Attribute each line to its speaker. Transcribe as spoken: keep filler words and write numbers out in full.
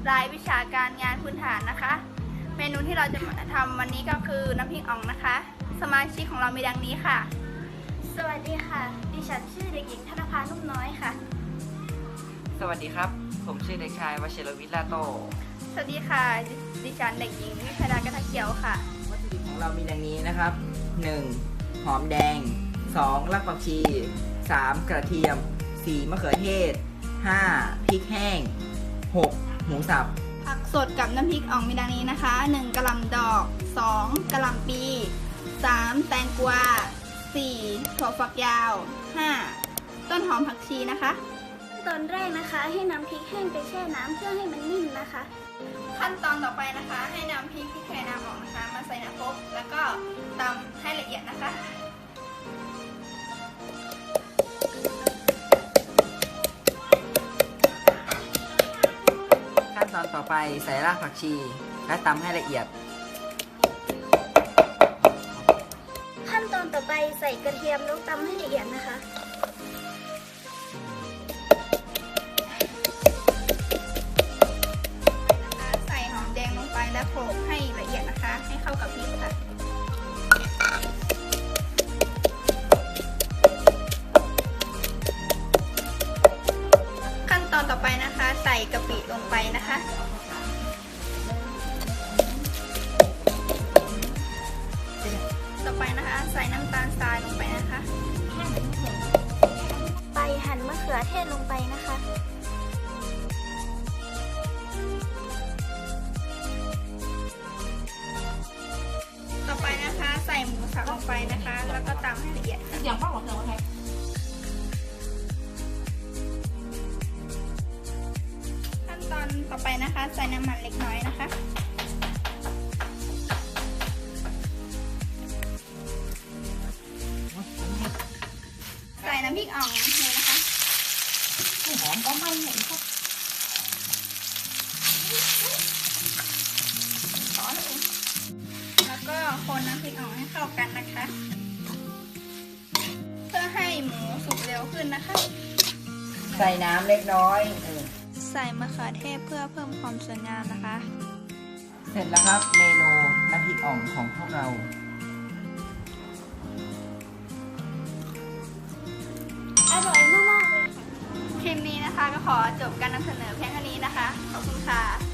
Speaker 1: รายวิชาการงานพื้นฐานนะคะ เมนูที่เราจะมาทำวันนี้ก็คือน้ำพริกอ่องนะคะ สมาชิกของเรามีดังนี้ค่ะ
Speaker 2: สวัสดีค่ะดิฉันชื่อเด็กหญิงธนภานุ่มน้อยค่ะ
Speaker 3: สวัสดีครับผมชื่อเด็กชายวชิรวิทย์ลาโต
Speaker 1: สวัสดีค่ะดิฉันเด็กหญิงวิพดากระทะเขียวค่ะ
Speaker 3: วัตถุดิบของเรามีดังนี้นะครับ หนึ่ง หอมแดง สอง รากผักชี สาม กระเทียม สี่ มะเขือเทศ ห้า พริกแห้ง หก หมูสับ
Speaker 1: ผักสดกับน้ำพริกอ่องมีดังนี้นะคะ หนึ่ง กะหล่ำดอก สอง กะหล่ำปี สาม แตงกวา สี่ ถั่วฝักยาว ห้า ต้นหอมผักชีนะคะ
Speaker 2: ตอนแรกนะคะให้นำพริกแห้งไปแช่น้ำเพื่อให้มันนิ่มนะคะ
Speaker 1: ขั้นตอนต่อไปนะคะให้นำพริกที่แช่น้ำออกนะคะมาใส่น้ำซุปแล้วก็ตำให้ละเอียดนะคะ
Speaker 3: ขั้นตอนต่อไปใส่รากผักชีและตำให้ละเอียด
Speaker 2: ขั้นตอนต่อไปใส่กระเทียมแล้วตำให้ละเอียดนะคะ
Speaker 1: ใส่หอมแดงลงไปและโขลกให้ละเอียดนะคะให้เข้ากับพริกค่ะขั้นตอนต่อไปนะคะใส่กะปิลงไปนะคะต่อไปนะคะใส่น้ำตาลทรายลงไปนะคะ
Speaker 2: ไปหั่นมะเขือเทศลงไปนะคะ
Speaker 1: ต่อไปนะคะใส่หมูสับลงไปนะคะแล้วก็ตำให้ละเอียดค่ะอย่างป้าบอกเธอว่าไงขั้นตอนต่อไปนะคะใส่น้ำมันเล็กน้อยนะคะใส่น้ำพริกอ่องเลยนะคะหอมก็ไม่เห็นค่ะขอเลยแล้วก็คนน้ำพริกอ่องให้เข้ากันนะคะเพื่อให้หมูสุกเร็วขึ้นนะคะ
Speaker 3: ใส่น้ำเล็กน้อย
Speaker 1: ใส่มะเขือเทศเพื่อเพิ่มความสวยงามนะคะ
Speaker 3: เสร็จแล้วครับเมนูน้ำพริกอ่องของพวกเรา
Speaker 2: อร่อยมากๆเลยค่ะ
Speaker 1: คลิปนี้นะคะก็ขอจบการนำเสนอเพียงเท่านี้นะคะขอบคุณค่ะ